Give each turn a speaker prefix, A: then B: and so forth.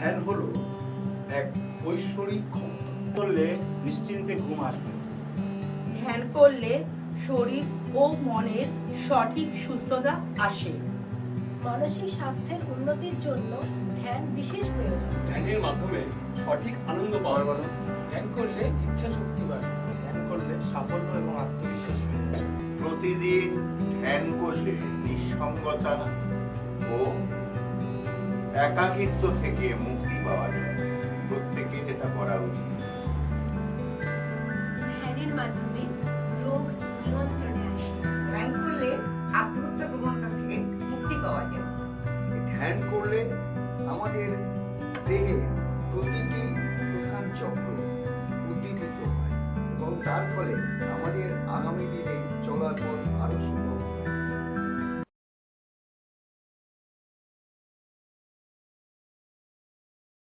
A: ধ্যান হলো এক ঐশ্বরিক ক্ষমতা।
B: করলে নিশ্চিন্তে ঘুম আসবে।
C: ধ্যান করলে শরীর ও মনের সঠিক সুস্থতা আসে।
D: মানসিক স্বাস্থ্যের উন্নতির জন্য ধ্যান বিশেষ প্রয়োজন।
E: ধ্যানের মাধ্যমে সঠিক আনন্দ পাওয়া গেল।
F: ধ্যান করলে ইচ্ছা শক্তি বাড়ে।
B: ধ্যান করলে সাফল্য এবং আত্মবিশ্বাস ফিরে।
G: প্রতিদিন ধ্যান করলে নিঃসঙ্গতা ও একাকিত্ব থেকে মুক্তি পাওয়া যায়। প্রত্যেকে এটা করা উচিত।
D: ধ্যানের মাধ্যমে রোগ নিয়ন্ত্রণে আসে।
H: ধ্যান করলে আত্মহত্যা প্রবণতা থেকে মুক্তি পাওয়া যায়।
I: ধ্যান করলে আমাদের দেহে প্রতিটি প্রধান চক্র উদ্দীপিত হয় এবং তার ফলে আমাদের আগামী দিনে চলার পথ আরো সুগম হয়।